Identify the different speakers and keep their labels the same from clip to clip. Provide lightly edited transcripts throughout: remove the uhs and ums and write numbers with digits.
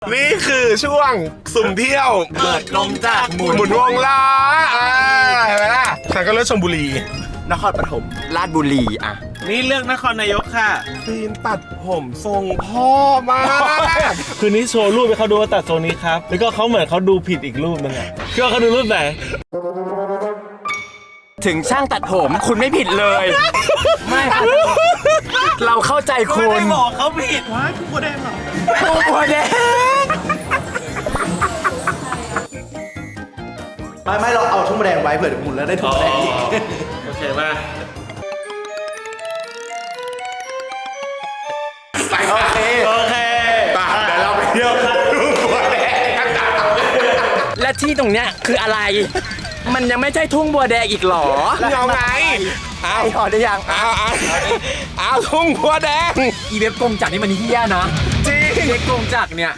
Speaker 1: นี่คือช่วงสุ่มเที่ยว
Speaker 2: เปิดกลมจากหมุน
Speaker 1: วงล้อเห็นไหมล่ะฉันก็เลือกชลบุรี
Speaker 2: นครปฐมราชบุรีอ่ะ
Speaker 3: นี่เลือกนครนายกค่ะ
Speaker 1: ฟิล์มตัดผมทรงพ่อมาก
Speaker 3: คืนนี้โชว์รูปให้เขาดูว่าตัดทรงนี้ครับ แล้วก็เขาเหมือนเขาดูผิดอีกรูปนึงอ่ะคิดว่าเขาดูรูปไหน
Speaker 2: ถึงช่างตัดผมคุณไม่ผิดเลย ไม่ครับเราเข้าใจคุณ
Speaker 3: ไม่ได้บอกเขาผิดว้ายกูแดงเหรอ
Speaker 2: กูแดง
Speaker 4: ไม่เราเอาทุ่งแดงไว้เผื่อหมุนแล้วได้ทุ่งแดงอีก
Speaker 3: โอเคป่ะ
Speaker 1: ไปโอเค
Speaker 3: โอเค
Speaker 1: เดี๋ยวเราไปเที่ยวดูบัวแดงกันต่อ
Speaker 2: และที่ตรงเนี้ยคืออะไร มันยังไม่ใช่ทุ่งบัวแดงอีกหรอ
Speaker 1: เอาไงเอา
Speaker 2: พอได้ยัง
Speaker 1: เอาทุ่งบัวแดง
Speaker 2: อีเว็บกงจักรนี่มันเฮี้ยนะ
Speaker 1: จริง
Speaker 2: เว็บกงจักรเนี่ย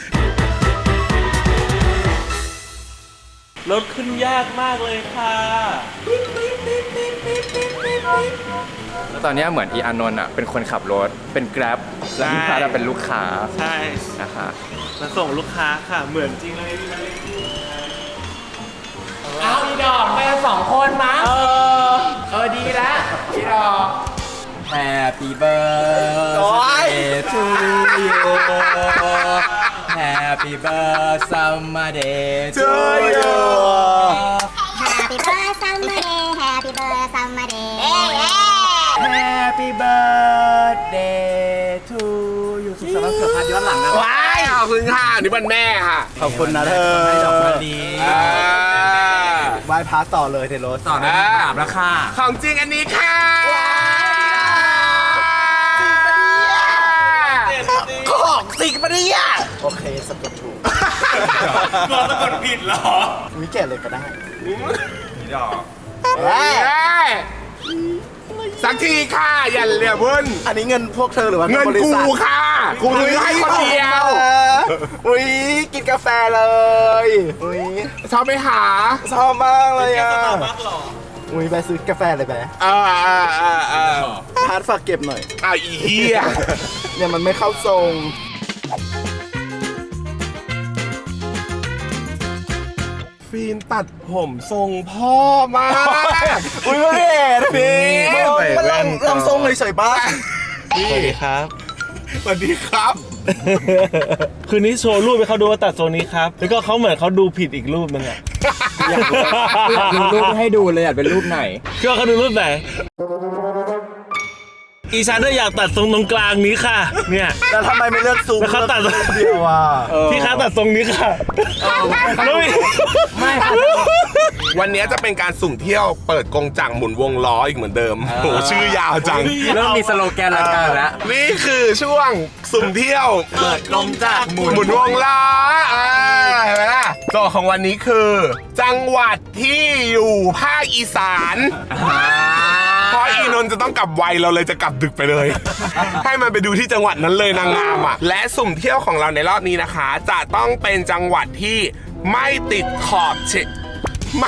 Speaker 3: รถขึ้นยากมากเลยค่ะ
Speaker 2: แล้วตอนเนี้ยเหมือนอีอานนท์อ่ะเป็นคนขับรถเป็นแกร็บแล้วพี่พัดเป็นลูกค้า
Speaker 3: ใช่
Speaker 2: นะคะ
Speaker 3: มาส่งลูกค้าค่ะ เหมือนจริงเลยพี่มาเล่น
Speaker 2: เอาอีดอกไปกัน2 คนมั้งดีแล้วอีดอก Happy birthday to you Happy birthday summer day to you
Speaker 5: Happy birthday, summer day. Happy birthday, summer day.
Speaker 2: Happy birthday to you สุขสันต์วันเกิดพัดย้อนหลังนะ
Speaker 1: ว้ายขอบคุณค่ะนี่วันแม่ค่ะ
Speaker 4: ขอบคุณนะเธอ
Speaker 2: ให้ดอกมะลิ
Speaker 4: ไหว้พระต่อเลยเทโรส
Speaker 2: ต่อนะกราบแล้วค่ะ
Speaker 1: ของจริงอันนี้ค่ะของจริงปะเนี่ย
Speaker 4: โอเคสะกดถูก
Speaker 3: กลัวสะกดผิดเหรอ
Speaker 4: วิแก่เลยก็ได้
Speaker 1: เฮ้ยสักทีค่ะอย่าเหลี่ยมพุ่น
Speaker 4: อันนี้เงินพวกเธอหรือว่า
Speaker 1: เงิน
Speaker 4: บริ
Speaker 1: กู
Speaker 4: ษัท
Speaker 1: ค่ะกูซื้อให้คนเดียว
Speaker 4: อุ้ยกินกาแฟเลยอุ้ย
Speaker 1: ชอบไปหา
Speaker 4: ชอบมากเลยอ่ะ
Speaker 3: มากหรอ
Speaker 4: อุ้ยไปซื้อกาแฟเลยไป
Speaker 1: เออ
Speaker 4: พาร์ทฝากเก็บหน่อย
Speaker 1: อ้าวอีเหี้ย
Speaker 4: เนี่ยมันไม่เข้าทรง
Speaker 1: ฟิล์มตัดผมทรงพ่อมาก
Speaker 4: อุ้ยไม่เห็นพี่
Speaker 3: ใส่
Speaker 4: มัน
Speaker 3: แว่น
Speaker 4: ลำทรงเฉยๆบ้าง
Speaker 3: สวัสดีครับ
Speaker 1: สวัสดีครับ
Speaker 3: คืนนี้โชว์รูปให้เขาดูว่าตัดทรงนี้ครับ แล้วก็เขาเหมือนเขาดูผิดอีกรูปนึงอ่ะ
Speaker 2: อยากดูรูปให้ดูเลยอยากเป็นรูปไหน
Speaker 3: คิดว่าเขาดูรูปไหน อีฉันน่ะอยากตัดทรงตรงกลางนี้ค่ะ เนี่ย
Speaker 4: แล้วทำไมไม่เลือกซูม
Speaker 3: แล้วเขาตัด
Speaker 4: เลือกเดียวอ่ะ
Speaker 3: พี่คะตัดทรงนี้ค่ะแล้วมี
Speaker 2: ไม่ค่ะ
Speaker 1: วันนี้จะเป็นการสุ่มเที่ยวเปิดกงจักรหมุนวงล้ออีกเหมือนเดิมโหชื่อยาวจัง
Speaker 2: เริ่มมีสโลแกนรายการแล้ว
Speaker 1: นี่คือช่วงสุ่มเที่ยว
Speaker 2: เปิดกลมจากหมุน
Speaker 1: หมุนวงล้อเห็นไหมล่ะโจทย์ของวันนี้คือ จังหวัดที่อยู่ภาคอีสานเพราะอีนนท์จะต้องกลับไวเราเลยจะกลับดึกไปเลย ให้มันไปดูที่จังหวัดนั้นเลยนางงามอ่ะและสุ่มเที่ยวของเราในรอบนี้นะคะ จะต้องเป็นจังหวัดที่ไม่ติดขอบไม่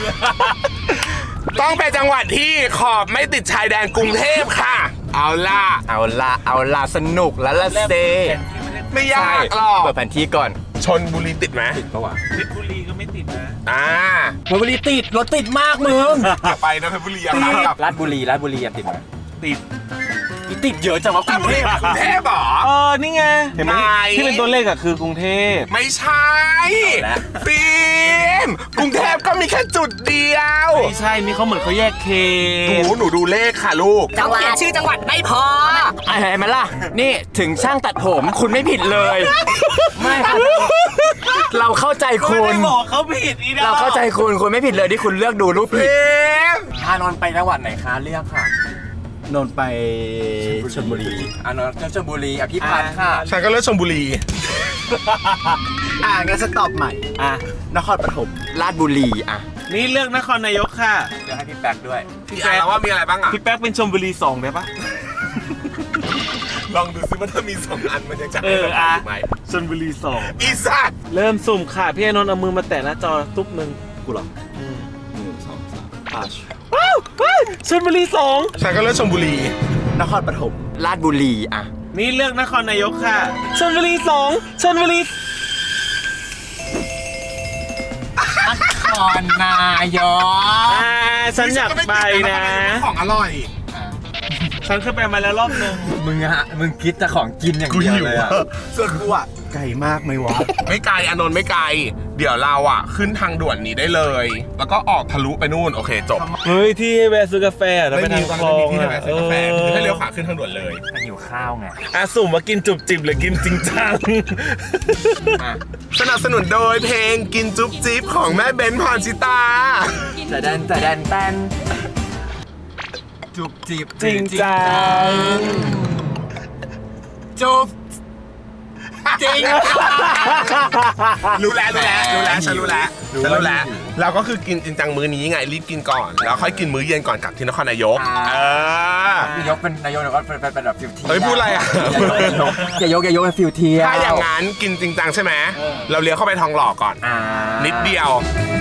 Speaker 1: ต้องเป็นจังหวัดที่ขอบไม่ติดชายแดนกรุงเทพค่ะ เอาล่ะ
Speaker 2: เอาละสนุกแล้วละเซ
Speaker 1: ไม่ยากหรอก
Speaker 2: เปิดแผนที่ก่อน
Speaker 1: ชนบุรีติดไหม
Speaker 2: ปะวะ
Speaker 3: เพชรบุรีก็ไม่ติดนะ
Speaker 2: เพชรบุรีติดรถติดมากมึง
Speaker 1: อย่าไปนะเพชรบุรีอย่าไปกับ
Speaker 2: ราชบุรีอยากติดไหม
Speaker 3: ติด
Speaker 2: ติดเยอะจังวะกรุงเทพ
Speaker 1: กรุงเทพเหรอ
Speaker 3: นี่ไง เห็นไหม
Speaker 1: ไหน
Speaker 3: ที่เป็นตัวเลขอะคือกรุงเทพ
Speaker 1: ไม่ใช่ฟิล์มกรุงเทพก็มีแค่จุดเดียว
Speaker 3: ไม่ใช่ นี่เขาเหมือนเขาแยกเขต
Speaker 1: หนูดูเลขค่ะลูก
Speaker 2: เขาเขียนชื่อจังหวัดไม่พอเห็นไหมล่ะ นี่ถึงช่างตัดผมคุณไม่ผิดเลย ไม่ค่ะเราเข้าใจ
Speaker 3: ไม่
Speaker 2: คุณ
Speaker 3: ได้บอกเขาผิดอีดอก
Speaker 2: เราเข้าใจคุณไม่ผิดเลยที่คุณเลือกดูรูปผิด
Speaker 1: ฟิล์ม
Speaker 2: อานนท์ไปจังหวัดไหนคะเลือกค่ะ
Speaker 4: นนท์ไปชลบุรี
Speaker 2: อานนท์ชลบุรีอภิพัฒน์ค่ะ
Speaker 1: ฉันก็เลือกชลบุรี
Speaker 4: งั้นสต็อปใหม่
Speaker 3: อ่ะ
Speaker 4: นครปฐม
Speaker 2: ราชบุรีอ่ะ
Speaker 3: นี่เลือกนครนายกค่ะ
Speaker 2: เลือกให้พี่แป๊กด้วย
Speaker 1: พี่แจ๊คว่ามีอะไรบ้างอ่ะ
Speaker 3: พี่แป๊กเป็นชลบุรี2ได้ปะ
Speaker 1: ลองดูซิว่าถ้ามี2 อันมันจะ
Speaker 3: อ่ะ
Speaker 1: ไหม
Speaker 3: ชลบุรี2
Speaker 1: อีสัตว์
Speaker 3: เริ่มสุ่มค่ะ พี่อานนท์เอามือมาแตะหน้าจอตุ๊บหนึ่ง
Speaker 4: กูเหรอ
Speaker 3: ว้าวชลบุรี2
Speaker 1: ฉันก็เลือกชลบุรี
Speaker 4: นครปฐม
Speaker 2: ราชบุรีอ่ะ
Speaker 3: นี่เลือกนครนายกค่ะชลบุรี2ชลบุรี
Speaker 2: ครนายก
Speaker 3: ฉันอยากไปนะ
Speaker 1: ของอร่อย
Speaker 3: ฉันเคยไปมาแล้วรอบนึง
Speaker 2: มึงคิดแต่ของกินอย่างเดียวเลยอะ
Speaker 4: ส่วนกูอ่ะไก่มากไหมวะ
Speaker 1: ไม่ไกลอานนท์ไม่ไกล เดี๋ยวเราอ่ะขึ้นทางด่วนนี้ได้เลย แล้วก็ออกทะลุไปนู่นโอเคจบ
Speaker 3: เฮ้ยที่ให้แวะซื้อกาแฟแล้วไปทางคลอง
Speaker 1: ที่ไหนซื้อกาแฟ
Speaker 3: เออ
Speaker 1: ให้เลี้ยวขวาขึ้นทางด่วนเลย
Speaker 2: หิวข้าวไง
Speaker 3: สุ่มว่ากินจุบจิบหรือกินจริงจัง
Speaker 1: สนับสนุนโดยเพลงกินจุ๊บจิ๊บของแม่เบนพรชิตา
Speaker 2: แต่แดนแตนจุบจีบ
Speaker 3: จริงจัง
Speaker 2: จุบจริง
Speaker 1: รู้แล้วฉันรู้แล้วเราก็คือกินจริงจังมื้อนี้ไงรีบกินก่อน แล้วค่อยกินมื้อเย็นก่อนกลับที่นครนายก
Speaker 2: นายกเป็นนายกแล้วก็เป็นแบบฟิวเทีย
Speaker 1: เฮ้ยพูดอะไรอ่ะ
Speaker 2: อย่ายกเป็นฟิวเทีย
Speaker 1: ถ้าอย่างนั้นกินจริงจังใช่ไหมเราเลี้ยวเข้าไปทองหล่อก่อนนิดเดียว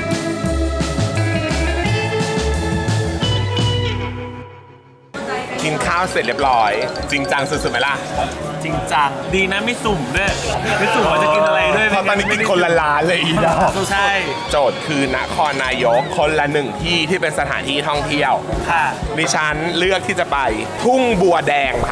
Speaker 1: กินข้าวเสร็จเรียบร้อย จริงจังสุดๆไหมล่ะ
Speaker 3: จริงจังดีนะไม่สุ่มด้วยไม่สุ่มว่าจะกินอะไรด้วย
Speaker 1: เพราะตอนนี้กินคนละล้านเลยอีดอก
Speaker 3: ใช่
Speaker 1: โจทย์คือนครนายกคนละหนึ่งที่ที่เป็นสถานที่ท่องเที่ยว
Speaker 3: ค่ะ
Speaker 1: ดิฉันเลือกที่จะไปทุ่งบัวแดงค่ะ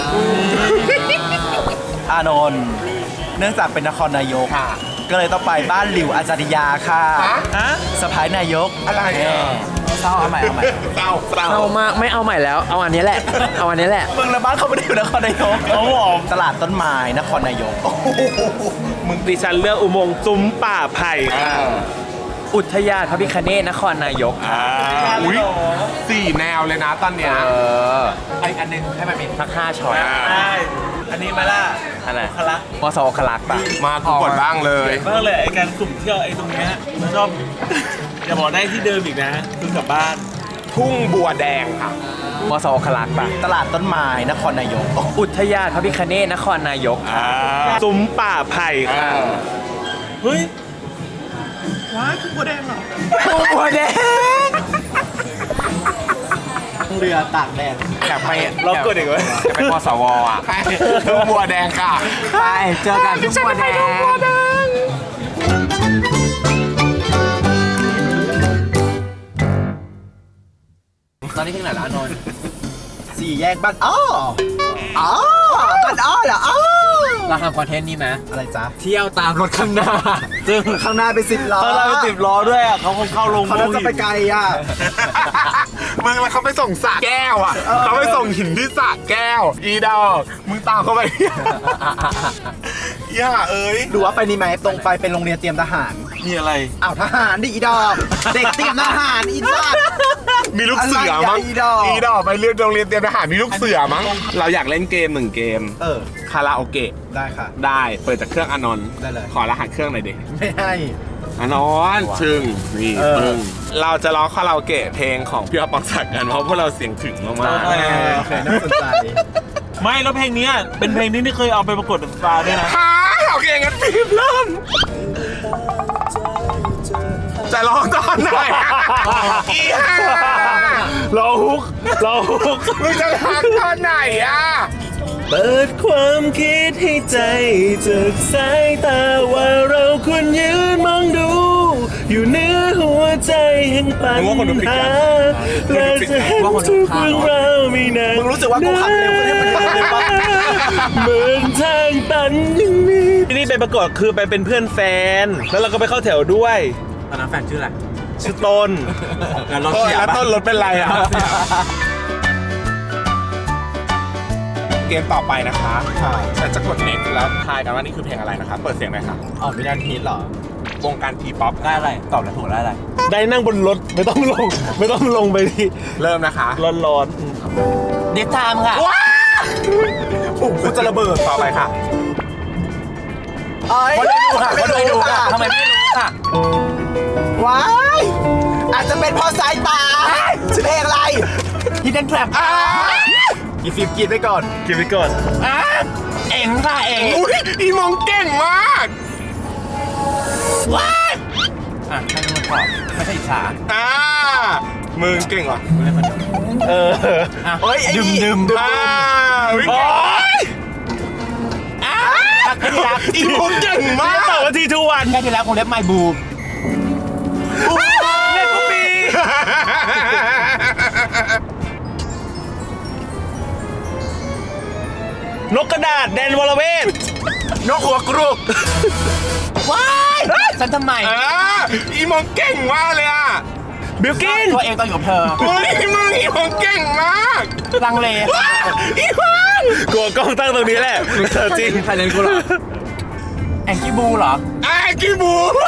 Speaker 4: อานนท์เนื่องจากเป็นนครนายกก็เลยต้องไปบ้านหลิวอาจาริยาค่ะ
Speaker 3: ฮะ
Speaker 4: สะพายนายก
Speaker 1: อะไรอ่ะ
Speaker 2: เศร้าเอาใหม่
Speaker 1: เศร้า
Speaker 2: เอามากไม่เอาใหม่แล้วเอาอันนี้แหละเอาอันนี้แหละ
Speaker 4: มึงและบ้านเขาไม่ได้อยู่นครนายก
Speaker 3: เขาบอก
Speaker 4: ตลาดต้นไม้นครนายก
Speaker 3: มึงดิฉันเลือกอุโมงค์ซุ้มป่าไผ่
Speaker 2: อุทยานพระพิฆเนศนครนายก
Speaker 1: อุ้ย4 แนวเลยนะตอนเนี้ย
Speaker 2: ไออันนึงให้มันมีสัก5ช้อย
Speaker 3: ใช่อันนี้มาล่ะ
Speaker 2: อะไร
Speaker 3: คละ
Speaker 2: มสวคลักษ์ป่ะ
Speaker 1: มากูกดบ้างเลย
Speaker 3: บ้างเลยไอการสุ่มเที่ยวไอตรงเนี้ยมันชอบอย่าบอกได้ที่เดิมอีกนะคือกลับบ้าน
Speaker 1: ทุ่งบัวแดงค่ะ
Speaker 2: มสวคลักษ์ป่ะ
Speaker 4: ตลาดต้นไม้นครนายก
Speaker 2: อุทยานพระพิฆเนศนครนายก
Speaker 3: ซุ้มป่าไผ่ค่ะเฮ้ย
Speaker 2: บัวแดง
Speaker 4: เรือตากแดด
Speaker 2: อยากไป
Speaker 3: เรากดอีกไหม
Speaker 2: อยากไปมสวอ่ะ
Speaker 1: ทุ่งบัวแดงค่ะ
Speaker 2: ไปเจอกันที่บัวแดงตอนนี้ถึงไหนแล้วนนท์
Speaker 4: 4 แยกบ้านอ้ออ๋อบ้านอ้อเหรออ้อ
Speaker 2: เราทำคอนเทนต์นี้ไหม
Speaker 4: อะไรจ๊ะ
Speaker 2: เที่ยวตามรถข้างหน้า
Speaker 3: ซึ่ง
Speaker 4: ข้างหน้าเป็น10 ล้อ
Speaker 3: เขาเราติดล้อด้วยอ่ะเขาคงเข้าลง
Speaker 4: เขาน่าจะไปไกลอ่ะ
Speaker 1: มึงแล้วเขาไปส่งสระแก้วอ่ะเขาไปส่งหินที่สระแก้ว อีดอกมึงตามเขาไป ย่าเอ้ย
Speaker 4: ดูว่าไปนี่ไหมตรงไปเป็นโรงเรียนเตรียมทหาร
Speaker 3: มีอะไร
Speaker 4: อ้าวทหารดิอีดอก เด็กเตรียมทหารอีสัตว์
Speaker 1: มีลูกเสือมั้ง
Speaker 4: อะไรอ่ะอีดอก
Speaker 1: อีดอกไปเรียนโรงเรียนเตรียมทหารมีลูกเสือมั้งเราอยากเล่นเกม1 เกม คาราโอเกะ
Speaker 4: ได้ค่ะ
Speaker 1: ได้เปิดจากเครื่องอานนท์
Speaker 4: ได้เลย
Speaker 1: ขอรหัสเครื่องหน่อยดิ
Speaker 4: ไม่ให้
Speaker 1: อานนท์ชึงนี่
Speaker 4: เออ
Speaker 1: ปึ้งเราจะร้องคาราโอเกะเพลงของพี่อ๊อฟปองศักดิ์กันเพราะพวกเราเสียงถึงมาก
Speaker 3: เออ
Speaker 4: โอเคน่าสนใจ
Speaker 3: ไม่แล้วเพลงเนี้ยเป็นเพลงที่นี่เคยเอาไปประกวดสตาร์ด้วยนะ
Speaker 1: ๆฮ่าโอเคงั้นฟิล์มเริ่มจะร้องตอนไหนอีห่า
Speaker 3: เราฮุกเราฮุก
Speaker 1: มึงจะร้องตอนไหนอ่ะ
Speaker 3: เปิดความคิดให้ใจจากสายตาว่าเราควรยืนมองดู อยู่เนื้อหัวใจแห่งปัญหาและจะเห็นทุกเรื่องราวไม่นาน
Speaker 4: มึงรู้สึกว่ากูขับเร็วขึ้นให้มันเร็วเลยปะ
Speaker 3: เหมือนทางตันอย่างนี้ที่นี่ไปประกวดคือไปเป็นเพื่อนแฟน แล้วเราก็ไปเข้าแถวด้วย
Speaker 2: ตอนนั้นแฟนชื่ออะไร
Speaker 3: ชื่อต้น
Speaker 2: แล้วรถ
Speaker 1: เออ
Speaker 2: เสีย
Speaker 1: แล้ว
Speaker 2: ปะ
Speaker 1: ต้นรถเป็นไรอ่ะ เกมต่อไปนะคะฉันจะกดเน็ตแล้วทายกันว่านี่คือเพลงอะไรนะคะเปิดเสียงหน่อยค่ะ
Speaker 4: อ๋อไม่ได้ฮิตเหรอ
Speaker 1: วงการทีป๊อป
Speaker 2: ได้อะไรตอบแล้วถูกได้อะไร
Speaker 3: ได้นั่งบนรถไม่ต้องลง ไม่ต้องลงไปที่
Speaker 1: เริ่มนะคะ
Speaker 3: ร้อน
Speaker 2: เดฟไทม์ค่ะ
Speaker 1: ว้ากูจะระเบิดต่อไปค่ะ
Speaker 4: เอ้ย
Speaker 2: คนได้ดูค่ะคนได้ดูค่ะทำไมไม่รู้ค่ะ
Speaker 4: ว้ายอาจจะเป็นเพราะสายตาชื่อเพลงอะไร
Speaker 2: Hidden Trap
Speaker 4: อีฟิล์มกินไปก่อน
Speaker 3: ๆกินไปก่อน
Speaker 2: เอ็งค่ะเอ็ง
Speaker 1: อุ้ยอีมองเก่งมาก
Speaker 2: อ่ะให้ดูก่อนไม่ใช่อิจฉา
Speaker 1: มึงเก่งเหรอ
Speaker 3: เออ
Speaker 4: เฮ้ยไอ้นี่
Speaker 1: วิ
Speaker 3: โอ๊ย
Speaker 1: อีมองเก่งมาก
Speaker 3: ตอบว่าทีทุกวัน
Speaker 2: แค่ที่แล้วคงเล็บไมบูม
Speaker 3: เล่นปุ๊บปีนกกระดาษแดนวรเวท
Speaker 1: นกหัวกรุก
Speaker 2: ว้ายฉันทำไม
Speaker 1: อีมองเก่งมากเลยอ่ะ
Speaker 3: บิลกิน
Speaker 2: ตัวเองตอนอยู่กับเธอ
Speaker 1: เฮ้ยมึงอีมองเก่งมาก
Speaker 2: ลังเล
Speaker 1: ว้าอีฟัง
Speaker 3: กลัวกล้องตั้งตรงนี้แหละเธอจริง
Speaker 2: ใครเล่นกูเหรอแองกี้บูเหรอ
Speaker 1: ไอ้กีบู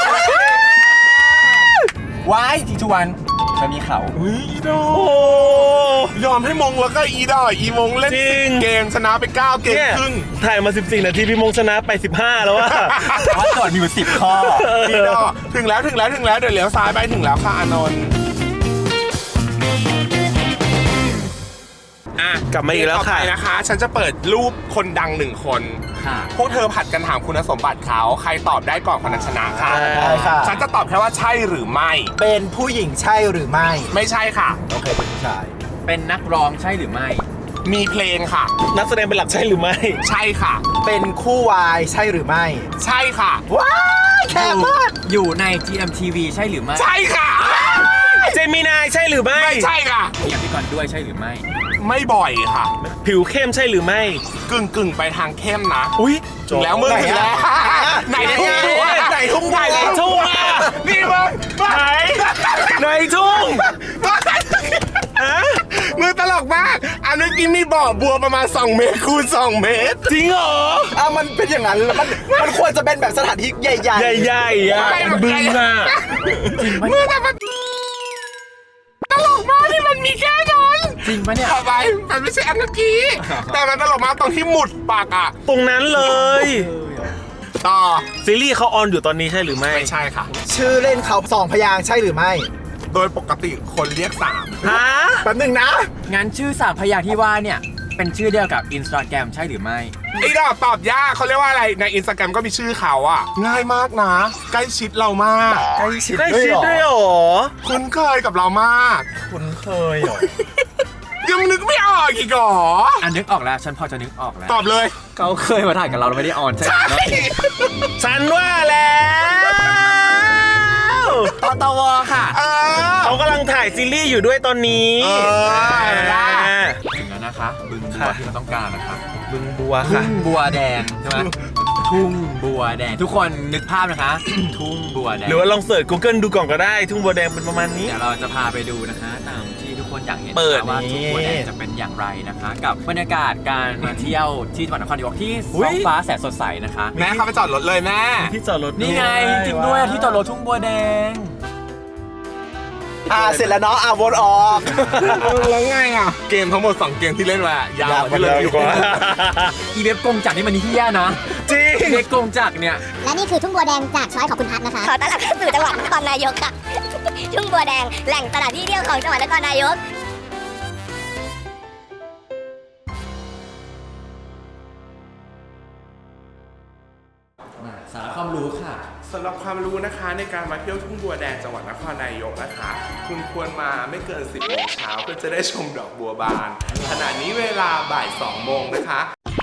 Speaker 2: ว้ายทีทุวันเธอมีเขา
Speaker 1: อุ้ยอีดอ
Speaker 3: โอ้
Speaker 1: ยอมให้มงแล้วก็อีดออีมงเล่น
Speaker 3: จริง
Speaker 1: 10เกมชนะไป9เกม
Speaker 3: เนี่ย
Speaker 1: ครึ่ง
Speaker 3: ถ่ายมา 14 นาทีพี่มงชนะไป 15 แล้วว่า
Speaker 2: ว่าโจทย์มีอยู่10 ข้อ
Speaker 1: อีดอถึงแล้วเดี๋ยวเลี้ยวซ้ายไปถึงแล้วค่ะอานนท์
Speaker 3: กลับมาอีกแล้วค่ะ
Speaker 1: ต่อไปนะคะ ฉันจะเปิดรูปคนดัง1 คน
Speaker 2: ค่ะ
Speaker 1: พวกเธอผัดกันถามคุณสมบัติเขาใครตอบได้ก่อนคนนั้นชนะค่ะ
Speaker 4: ได้ค่ะ
Speaker 1: ฉันจะตอบแค่ว่าใช่หรือไม่
Speaker 4: เป็นผู้หญิงใช่หรือไม่
Speaker 1: ไม่ใช่ค่ะ
Speaker 4: โอเคเป็นผู้ชาย
Speaker 2: เป็นนักร้องใช่หรือไม่
Speaker 1: มีเพลงค่ะ
Speaker 3: นักแสดงเป็นหลักใช่หรือไม่
Speaker 1: ใช่ค่ะ
Speaker 4: เป็นคู่วายใช่หรือไม่
Speaker 1: ใช่ค่ะ
Speaker 4: ว้ายแคบมาก
Speaker 2: อยู่ใน GMTV ใช่หรือไม่
Speaker 1: ใช่ค่ะ
Speaker 3: เจมินายใช่หรือไม่
Speaker 1: ไม่ใช่ค่ะ
Speaker 2: มีอภิกรด้วยใช่หรือไม่
Speaker 1: ไม่บ่อยค่ะ
Speaker 3: ผิวเข้มใช่หรือไม่
Speaker 1: กึ่งไปทางเข้มนะ
Speaker 3: อุ้ย
Speaker 1: ถึงแล้วมึงถึงแล้วไหนทุ่งบัวไหนทุ่งบัว
Speaker 3: ไหนทุ่งอ่ะ
Speaker 1: นี่มึง
Speaker 3: ไหนในทุ่งฮะ
Speaker 1: มึงตลกมาก อันเมื่อกี้มีบ่อบัวประมาณ2 เมตรคูณ2 เมตร
Speaker 3: จริงเหรอ
Speaker 4: มันเป็นอย่างนั้นแล้วมันควรจะเป็นแบบสถานที่ใหญ่
Speaker 3: ใหญ่ๆอ่ะบึงอ่ะ
Speaker 1: มึงแต่มันตลกมากที่มันมีแค่นั้น
Speaker 2: จริงปะเนี่ย
Speaker 1: ทำไมมันไม่ใช่อันเมื่อกี้ แต่มันตลกมากตรงที่หมุดปากอ่ะ
Speaker 3: ตรงนั้นเลย
Speaker 1: ต่อ
Speaker 3: ซีรีส์เขาออนอยู่ตอนนี้ใช่หรือไม่
Speaker 1: ไม่ใช่ค่ะ
Speaker 4: ๆ ชื่อเล่นเขา2 พยางค์ใช่หรือไม่
Speaker 1: โดยปกติคนเรียก3
Speaker 3: ฮะ
Speaker 4: แป๊บหนึงนะ
Speaker 2: งั้นชื่อ3 พยางค์ที่ว่าเนี่ย เป็นชื่อเดียวกับ Instagram ใช่หรือไม่
Speaker 1: ไอ้ดอกตอบยากเขาเรียกว่าอะไรในอินสตาแกรมก็มีชื่อเขาอ่ะ ง่ายมากนะ ใกล้ชิดเรามาก
Speaker 4: ใกล้ชิด
Speaker 3: ได้
Speaker 4: ด้วย
Speaker 3: ชิด
Speaker 4: เหรอ
Speaker 3: ด้วยเหรอ
Speaker 1: คุ้นเคยกับเรามาก
Speaker 4: คุ้นเคยเหรอ
Speaker 1: ยังนึกไม่ออกอีกเหรอ
Speaker 2: อันนึกออกแล้ว ฉันพอจะนึกออกแล้ว
Speaker 1: ตอบเลย
Speaker 2: เขาเคยมาถ่ายกับเราแล้วไม่ได้ออนใช่ไหม
Speaker 3: ฉันว่าแล้ว
Speaker 2: ตตวค่ะ
Speaker 1: เออ
Speaker 3: เขากำลังถ่ายซีรีส์อยู่ด้วยตอนนี้
Speaker 1: เออเห็นไหมล่ะ
Speaker 2: ถึงแล้วนะคะ บึงบัวที่เราต้องการนะคะ
Speaker 3: บึงบัว
Speaker 2: ทุ่
Speaker 3: ค่ะ
Speaker 2: งบัวแดงใช่ไหมทุ่งบัวแดง ทุกคนนึกภาพนะคะ ทุ่งบัวแดง
Speaker 3: หรือว่าลองเสิร์ช Google ดูก่อนก็ได้ ทุ่งบัวแดงเป็นประมาณนี้
Speaker 2: เดี๋ยวเราจะพาไปดูนะคะ ตามที่ทุกคนอยากเห็น
Speaker 3: เปิด
Speaker 2: นะคะว่า
Speaker 3: นี่
Speaker 2: ทุ่งบัวแดงจะเป็นอย่างไรนะคะ กับบรรยากาศการมาเที่ยวที่จังหวัดนครนายกที่
Speaker 3: อุ๊ย
Speaker 2: ท้องฟ้าแสนสดใสนะคะ
Speaker 1: แม่เข้าไปจอดรถเลยแม่
Speaker 3: ที่จอดรถ
Speaker 2: นี่ไงจริงด้วยที่จอดรถทุ่งบัวแดง
Speaker 4: เสร็จแล้วเนาะวนออก
Speaker 1: แล้วไงอ่ะ เกมทั้งหมด2 เกมที่เล่นมายาวกว่าที่เราอยู่
Speaker 3: กว่า
Speaker 2: อีเว็บกงจักรนี่มันเฮี้ยนะ
Speaker 3: จริง
Speaker 2: อีเว็บกงจักรเนี่ย
Speaker 5: และนี่คือทุ่งบัวแดงจากช้อยของคุณพัฒนะคะ ขอต้อนรับเข้าสู่จังหวัดนครนายกค่ะ ทุ่งบัวแดงแหล่งตลาดที่เที่ยวของจังหวัดนครนายก
Speaker 2: สาระความรู้ค่ะ
Speaker 1: สำหรับความรู้นะคะในการมาเที่ยวทุ่งบัวแดงจังหวัดนครนายกนะคะ คุณควรมาไม่เกิน 10 โมงเช้าเพื่อจะได้ชมดอกบัวบาน ขณะนี้เวลาบ่าย 2 โมงนะคะ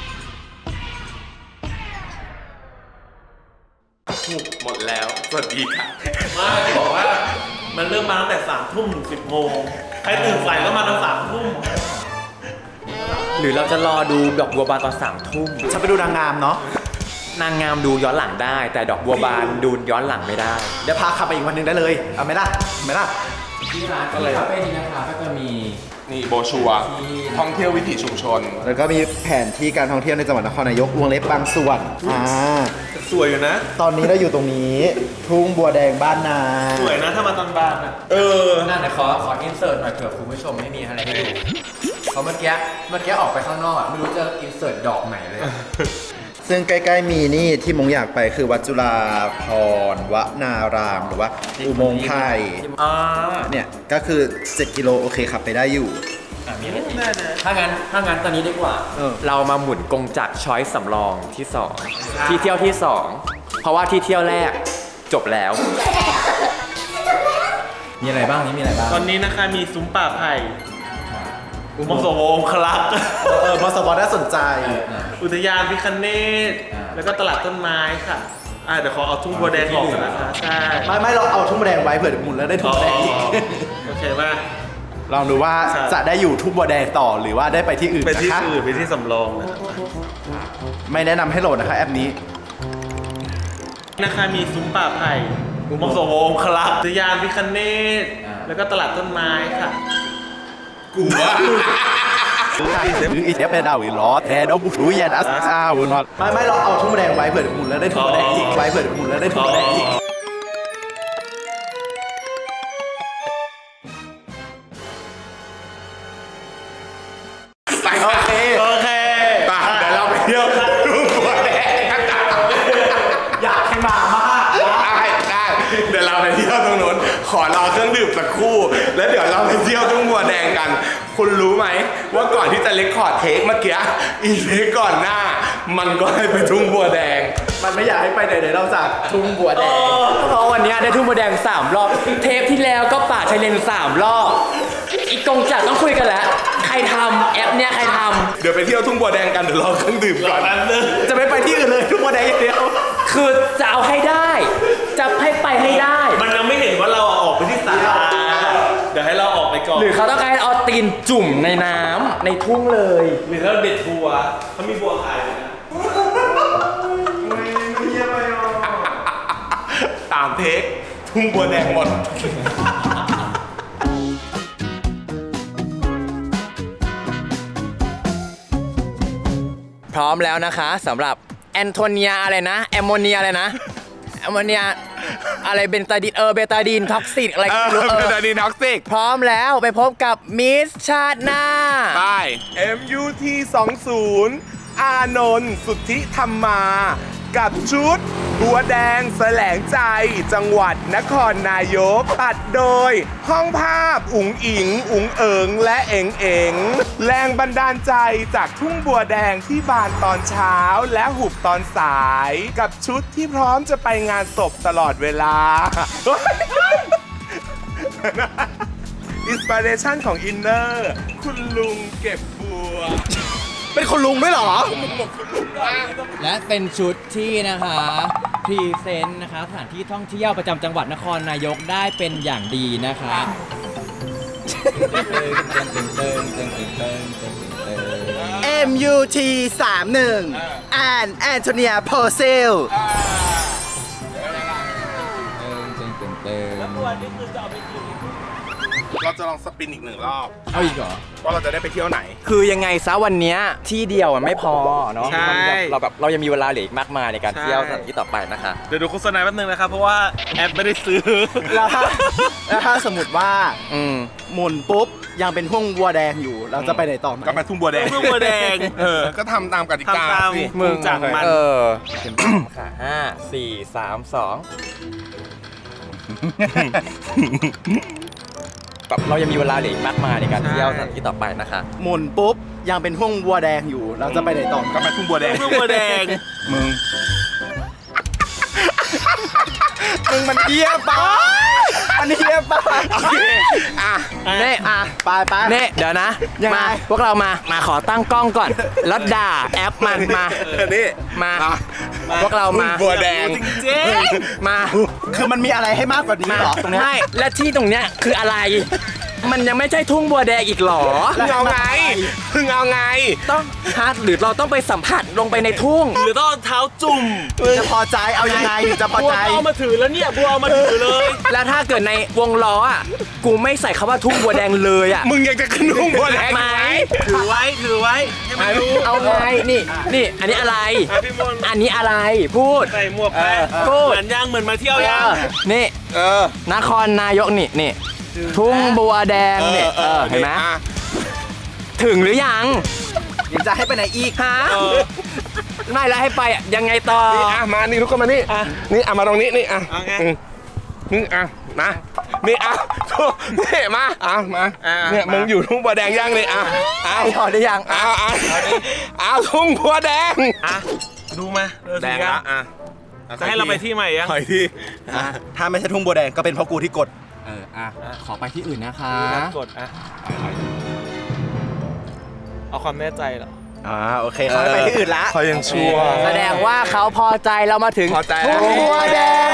Speaker 1: หมดแล้ว สวัสดีค่ะ
Speaker 3: ไม่บอกว่ามันเริ่มมาตั้งแต่3 ทุ่มถึง 10 โมง ใครตื่นสายก็มาตั้ง3 ทุ่ม
Speaker 2: หรือเราจะรอดูดอกบัวบานตอน3 ทุ่ม
Speaker 4: ฉันไปดูนางงามเนาะ
Speaker 2: นางงามดูย้อนหลังได้ แต่ดอกบัวบานดูย้อนหลังไม่ได้
Speaker 4: เดี๋ยวพาขับไปอีกวันหนึงได้เลย เอาไหมล่ะเอาไหมล่ะ
Speaker 2: ที่ร้านคาเฟ่นี้นะคะก็จะมี
Speaker 1: นี่โบชัวร์ท่องเที่ยววิถีชุมชน
Speaker 4: แล้วก็มีแผนที่การท่องเที่ยวในจังหวัดนครนายกวงเล็บบางส่วน
Speaker 3: สวยอยู่นะ
Speaker 4: ตอนนี้เราอยู่ตรงนี้ ทุ่งบัวแดงบ้านนา
Speaker 3: สวยนะถ้ามาตอนบานอ่ะ
Speaker 2: นั่นเดี๋ยวขออินเสิร์ตหน่อยเผื่อคุณผู้ชมไม่มีอะไรให้ดูเพราะเมื่อกี้ออกไปข้างนอกอ่ะไม่รู้จะอินเสิร์ตดอกไหนเลย
Speaker 4: ซึ่งใกล้ๆมีนี่ที่มงอยากไปคือวัดจุฬาภรณ์วนารามหรือว่าอุโมงค์ไทย เนี่ยก็คือ 7 กิโลโอเคขับไปได้อยู่
Speaker 2: มีอะไรอีกถ้างั้นตอนนี้ดีกว่า เรามาหมุนกงจักรช้อยสำรองที่ 2 ที่เที่ยวที่ 2 เพราะว่าที่เที่ยวแรกจบแล้ว มีอะไรบ้างนี่มีอะไรบ้าง
Speaker 3: ตอนนี้นะคะมีซุ้มป่าไผ่มสวองคลักษ์
Speaker 4: มสวน่าสนใจ
Speaker 3: อุทยานพิคเนตแล้วก็ตลาดต้นไม้ค่ะเดี๋ยวขอเอาทุ่งบัวแดงออกก่อนนะคะใช่
Speaker 4: ไม่เราเอาทุ่งบัวแดงไว้เผื่อหมุนแล้วได้ทุ่งบัวแดงอีก
Speaker 3: โอเคป่ะ
Speaker 4: ลองดูว่าจะได้อยู่ทุ่งบัวแดงต่อหรือว่าได้ไปที่อื่น
Speaker 3: ไปที่
Speaker 4: นะคะ
Speaker 3: อื่นไปที่สำรองนะ
Speaker 4: ไม่แนะนำให้โหลดนะคะแอปนี้
Speaker 3: นะคะมีซุ้มป่าไผ่มงสวงคลักยานพิคเนตแล้วก็ตลาดต้นไม้ค่ะ
Speaker 1: กูว่า
Speaker 4: อีเทปเป็นดาวอีล้อแทนเอาบุรุยันอัสซาบุนอตไม่เราเอาทุ่งบัวแดงไว้เผื่อหมุนแล้วได้ทุ่งบัวแดงอีกไว้เผื่อหมุนแล้วได้ทุ่งบัวแดงอีก
Speaker 1: ไปโอเค
Speaker 3: โอเค
Speaker 1: ไปเดี๋ยวเราไปเที่ยวทุ่งบัวแดงกัน
Speaker 4: อยากให้มามาก
Speaker 1: ได้เดี๋ยวเราไปเที่ยวตรงนู้นขอรอเครื่องดื่มสักครู่ แล้วเดี๋ยวเราไปเที่ยวทุ่งบัวแดงกัน คุณรู้ไหมว่าก่อนที่จะเรคคอร์ดเทคเมื่อกี้อีเทคก่อนหน้า มันก็ให้ไปทุ่งบัวแดง
Speaker 4: มันไม่อยากให้ไปไหนๆเราจากทุ่งบัวแดง
Speaker 2: เพราะวันนี้ได้ทุ่งบัวแดง3 รอบ เทปที่แล้วก็ป่าชายเลน3 รอบ อีกกงจักรต้องคุยกันแล้ว ใครทำแอปเนี้ยใครท
Speaker 1: เดี๋ยวไปเที่ยวทุ่งบัวแดงกันเดี๋ยวรอเครื่องดื่มก่อน
Speaker 4: จะไม่ไปที่อื่นเลยทุ่งบัวแดงอย่างเดียว
Speaker 2: ำคือจะเอาให้ได้ จะให้ไปให้ได้
Speaker 3: มันยังไม่เห็นว่าเราออกไปที่ศาลาเดี๋ยวให้เราออกไปก่อน
Speaker 2: หรือเขาต้องการเอาตีนจุ่มในน้ำในทุ่งเลย
Speaker 3: หรือเราเด็ดบัวเขามีบัวขายไหมนะ
Speaker 1: ตามเทคทุ่งบัวแดงหมด
Speaker 2: พร้อมแล้วนะคะสำหรับแอนโทเนียอะไรนะแอมโมเนียอะไรนะแอมโมเนียอะไรเบนตาดีนเบตาดีนท็อกซิกอะไรไม่รู้
Speaker 1: เป็นอะดีท็อกซิก
Speaker 2: พร้อมแล้วไปพบกับมิสชาติหน้า
Speaker 1: ไป MUT 20อานนท์สุทธิธรรมา กับชุดบัวแดงแสลงใจจังหวัดนครนายกตัดโดยห้องภาพอุ๋งอิง อุ๋งเอิงและเอ๋งเอ๋งแรงบันดาลใจจากทุ่งบัวแดงที่บานตอนเช้าและหุบตอนสาย กับชุดที่พร้อมจะไปงานศพตลอดเวลา อินสปิเรชันของอินเนอร์คุณลุงเก็บบัว
Speaker 4: เป็นคนลุงด้วยเหรอ
Speaker 2: และเป็นชุดที่นะคะพรีเซนต์นะคะสถานที่ท่องเที่ยวประจำจังหวัดนครนายกได้เป็นอย่างดีนะคะ
Speaker 4: MUT 31 and Antonia Purcell
Speaker 1: เราจะลองสปินอีกหนึ่งรอบ
Speaker 2: เอาอีกเหรอ
Speaker 1: ว่าเราจะได้ไปเที่ยวไหน
Speaker 2: คือยังไงซะวันเนี้ยที่เดียวมันไม่พอเนาะ
Speaker 3: ใช่
Speaker 2: เรายังมีเวลาเหลืออีกมากมายในการเที่ยวสถานที่ต่อไปนะคะ
Speaker 3: เดี๋ยวดูโฆษณาแป๊บนึงนะครับ เพราะว่าแอปไม่ได้ซื้อ
Speaker 4: แล้วถ้าสมมติว่า หมุนปุ๊บ ยังเป็นห้วงบัวแดงอยู่ เราจะไปไหนต่อไหม
Speaker 1: ก็ไปทุ่งบัวแดง
Speaker 3: ทุ่งบัวแดง
Speaker 1: ก็ทำตามกติกา
Speaker 3: ทำตาม
Speaker 1: สิ
Speaker 3: มึงจากมัน
Speaker 2: เต็มที่ค่ะ5 4 3 2แบบเรายังมีเวลาเหลืออีกมากมายในการเที่ยวสถานที่ต่อไปนะคะ
Speaker 4: หมุนปุ๊บ ยังเป็นห้วงบัวแดงอยู่ เราจะไปไหนต่อไหม
Speaker 1: ก็ไปทุ่งบัวแดง
Speaker 3: ทุ่งบัวแดง
Speaker 1: มึง
Speaker 4: มึงมันเฮี้ยปะมันเฮี้ยปะ
Speaker 1: โอเค อ่ะ
Speaker 2: เน่
Speaker 4: ไป
Speaker 2: เน่เดี๋ยวนะ
Speaker 4: ยังไง
Speaker 2: มาพวกเรามาขอตั้งกล้องก่อน แล้วด่าแอปมันมา
Speaker 1: นี่
Speaker 2: มา พวกเรามา
Speaker 1: ทุ่งบัวแดง
Speaker 3: เจ๊
Speaker 2: มา
Speaker 4: คือมันมีอะไรให้มากกว่านี้เหรอตรงเนี้ย
Speaker 2: ไม่และที่ตรงเนี้ยคืออะไร มันยังไม่ใช่ทุ่งบัวแดงอีกหรอ
Speaker 1: พึ่งเอาไงพึ่งเอาไง
Speaker 2: ต้องฮะหรือเราต้องไปสัมผัสลงไปในทุ่ง
Speaker 3: หรือต้องเอาเท้าจุ่ม
Speaker 4: จะพอใจเอายังไงจะพอ
Speaker 3: บัว
Speaker 4: ใจ
Speaker 3: เอามาถือแล้วเนี่ยบัวเอามาถือเลย
Speaker 2: แล้วถ้าเกิดในวงล้ออ่ะ กูไม่ใส่คำว่าทุ่งบัวแดงเลยอ่ะ
Speaker 1: มึงยังจะขึ้นทุ่งบัวแดง
Speaker 2: ไหม
Speaker 3: ถือไว้ให้มันรู้
Speaker 2: เอาไงนี่อันนี้อะไร
Speaker 3: พี่มนต์
Speaker 2: อันนี้อะไรพูด
Speaker 3: ใส่หมวกไป
Speaker 2: พูด
Speaker 3: เหมือนยังเหมือนมาเที่ยวยัง
Speaker 2: นี่
Speaker 1: เออ
Speaker 2: นครนายกนี่ทุ่งบัวแดงเนี่ยเห็นไหม
Speaker 1: อ่ะ
Speaker 2: ถึงหรือยัง
Speaker 4: ยังจะให้ไปไหนอีก
Speaker 2: ฮะไม่แล้วให้ไปอ่ะยังไงต่อ
Speaker 1: นี่อ่ะมานี่ทุกคนมานี่นี่อ่ะมาตรงนี้นี่อ่ะ
Speaker 3: เอาไง
Speaker 1: นี่อ่ะมานี่อ่ะทุกนี่มาอ่ะมาเนี่ยมึงอยู่ทุ่งบัวแดงยังนี่อ่ะเอา
Speaker 2: พอได้ยัง
Speaker 1: เอาทุ่งบัวแดง
Speaker 3: อ่ะดูมาเออ
Speaker 1: แดง
Speaker 3: สิ
Speaker 1: ละอ่ะ
Speaker 3: จะให้เราไปที่ใหม่ยัง
Speaker 1: ถอยที่
Speaker 4: ถ้าไม่ใช่ทุ่งบัวแดงก็เป็นเพราะกูที่กด
Speaker 2: ขอไปที่อื่นนะคะ
Speaker 3: กดอ่ะเอาความแน่ใจเหรอ
Speaker 4: โอเคเขาไปที่อื่นละ
Speaker 1: เขายังชั่ว
Speaker 2: แสดงว่าเขาพอใจเรามาถึง
Speaker 1: พอใจแล้ว
Speaker 2: ทุ่งบัวแดง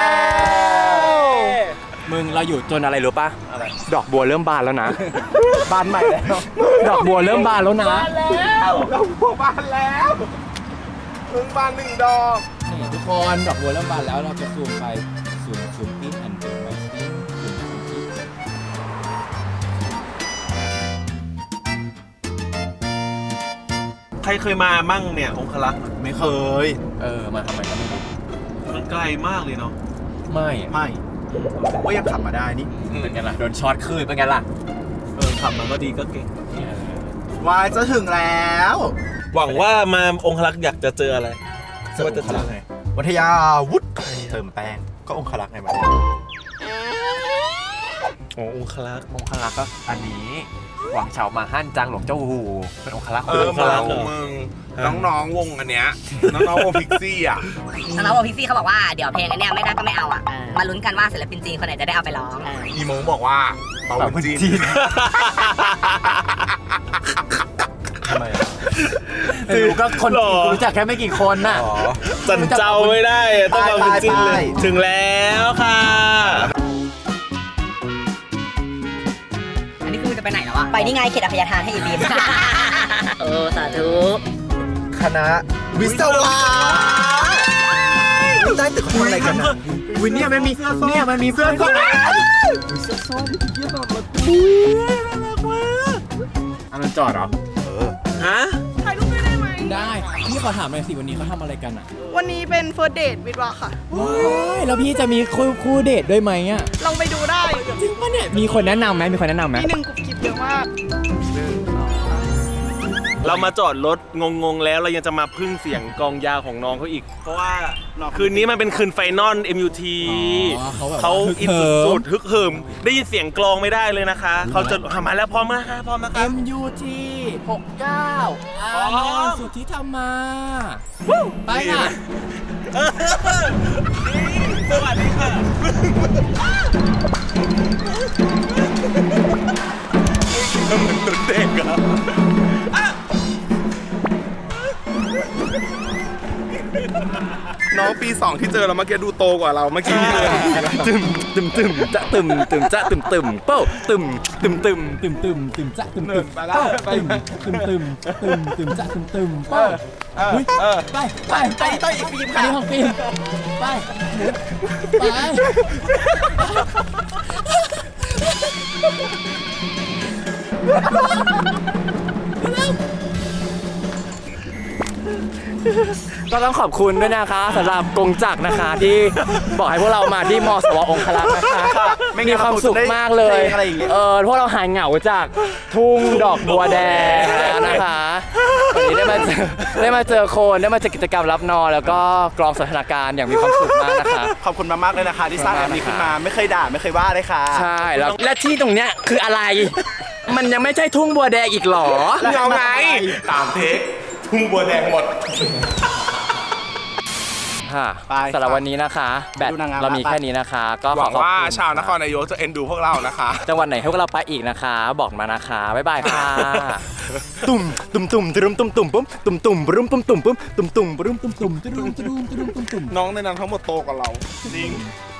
Speaker 2: มึงเราอยู่จนอะไรรู้ปะดอกบัวเริ่มบานแล้วนะ
Speaker 4: บานใหม่แล้ว
Speaker 2: ดอกบัวเริ่มบานแล้วนะ
Speaker 1: ดอกบัวบานแล้วเพิ่งบาน1 ดอก
Speaker 2: นี่ทุกคนดอกบัวเริ่มบานแล้วเราจะซูมไปซูมอินแอนด์ซูมไวสติ้งซูมอิน
Speaker 3: ใครเคยมามั่งเนี่ยองคลักษ์
Speaker 4: ไม่เคย
Speaker 2: มาทำไมก็ไม่รู้
Speaker 3: มันไกลมากเลยเนาะ
Speaker 2: ไม่อะ
Speaker 4: ไม่ผมก็ยังขับมาได้นี่
Speaker 2: เป็นไงล่ะโดนช็อตคืนเป็นไงล่ะ
Speaker 3: ขับมาก็ดีก็เก่ง
Speaker 4: วายจะถึงแล้ว
Speaker 3: หวังว่ามาองคลักษ์อยากจะเจออะไรว่าจะเจออะไร
Speaker 4: วัทยาวุฒิเติมแป้งก็องคลักษ์ไงมัน
Speaker 3: อ๋อองคลักษ์
Speaker 2: องคลักษ์ก็อันนี้หวังเฉามาฮั่นจางหลงเจ้าหูเป็นองคลักษ์
Speaker 1: เมามึงน้องๆวงอันเนี้ยน้องๆวงพิกซี่อ่ะ
Speaker 5: น้องๆวงพิกซี่เขาบอกว่าเดี๋ยวเพลงอันเนี้ยไม่ได้ก็ไม่เอาอ่ะ มาลุ้นกันว่าศิลปินจีนคนไหนจะได้เอาไปร้อง
Speaker 1: อีโมงบอกว่าเปาบุญจีน
Speaker 4: ทำไม
Speaker 2: รู้ก็คนจีนกูรู้จักแค่ไม่กี่คนน่ะ
Speaker 3: จันเจ้าไม่ได้ต้องมาเป็นจิ้นเลยถึงแล้วค่ะ
Speaker 5: อันนี้คือจะไปไหนแล้วอะไปนี่ไงเขตอภัยทานให้อีบีม สาธุ
Speaker 4: คณะวิศวะได้ตึกคนอะไรกันนะ
Speaker 2: วินเนี่ยมันมีเพื่อนก็อันนั้นจอดเหรอ
Speaker 3: ฮะ
Speaker 6: ถ่ายรูปด้วยได้ไหม
Speaker 2: ได้พี่ขอถามหน่อยสิวันนี้เขาทำอะไรกันอ่ะ
Speaker 6: วันนี้เป็นเฟิร์สเดทวิดวาค่ะ
Speaker 2: ว้ายแล้วพี่จะมีคู่เดทด้วยไหมอ่ะ
Speaker 6: ลองไปดูได้
Speaker 2: จริงปะเนี่ยมีคนแนะนำไหมมีคนแนะนำไหม
Speaker 6: มี1 กลุ่มคลิปเยอะมาก
Speaker 3: เรามาจอดรถงงๆแล้วเรายังจะมาพึ่งเสียงกลองยาวของน้องเขาอีก เพราะว่าคืนนี้มันเป็นคืนไฟนอล MUT เขาอินสุดๆฮึกเหิมได้ยินเสียงกลองไม่ได้เลยนะคะ เขาจะมาแล้วพร้อมนะคะพร้อมนะคะ
Speaker 2: MUT 69อานนท์สุทธิธรรมาไปค่ะ
Speaker 3: สวัสดีค่ะ
Speaker 1: เด็กอะน้องปี 2 ที่เจอเราเมื่อกี้ดูโตกว่าเราเมื่อกี้เลย
Speaker 2: จะตึมจะตึมเป้าตึมจะตึม
Speaker 1: ไปแล้วไป
Speaker 2: ตึมจะตึมเป้าอุ๊ยไปอีกฟิล์มค่ะอันนี้ของฟิล์มไปก็ต้องขอบคุณด้วยนะคะสำหรับกงจักรนะคะที่บอกให้พวกเรามาที่มสวองคลักษ์นะคะมีความสุขมากเลยพวกเราหายเหงาจากทุ่งดอกบัวแดงแล้วนะคะวันนี้ได้มาเจอคนได้มาเจอกิจกรรมรับนอนแล้วก็กรองสถานการณ์อย่างมีความสุขมากนะคะ
Speaker 4: ขอบคุณมากๆเลยนะคะที่สร้างแบบนี้ขึ้นมาไม่เคยด่าไม่เคยว่าเลยค่ะ
Speaker 2: ใช่แล้วและที่ตรงเนี้ยคืออะไร มันยังไม่ใช่ทุ่งบัวแดงอีกหรอ
Speaker 1: เงาไงตามเทคทุ่งบัวแดงหมด
Speaker 2: ค่ะ
Speaker 4: ไป
Speaker 2: สำหรับวันนี้นะคะ แบต
Speaker 4: ดูนางงาม
Speaker 2: เรามีแค่นี้นะคะ ก็
Speaker 1: ห
Speaker 2: ข
Speaker 1: วั
Speaker 2: อง ขอบ
Speaker 1: ว่า
Speaker 2: คุณ
Speaker 1: ชาวนครนายกจะเอ็นดูพวกเรานะคะ
Speaker 2: จังหวัดไหนให้พวกเราไปอีกนะคะ บอกมานะคะบ๊ายบายค่ะ ตุ่มตุ่มตุ่มตุ่มตุ่มตุ่มปุ๊บตุ่มตุ่มรุมตุ่มตุ่มปุ๊บตุ่มตุ่มรุมตุ่มตุ่มตุ่มตุ่มตุ่มตุ่ม
Speaker 1: น้องในนั้นทั้งหมดโตกว่าเรา
Speaker 3: จริง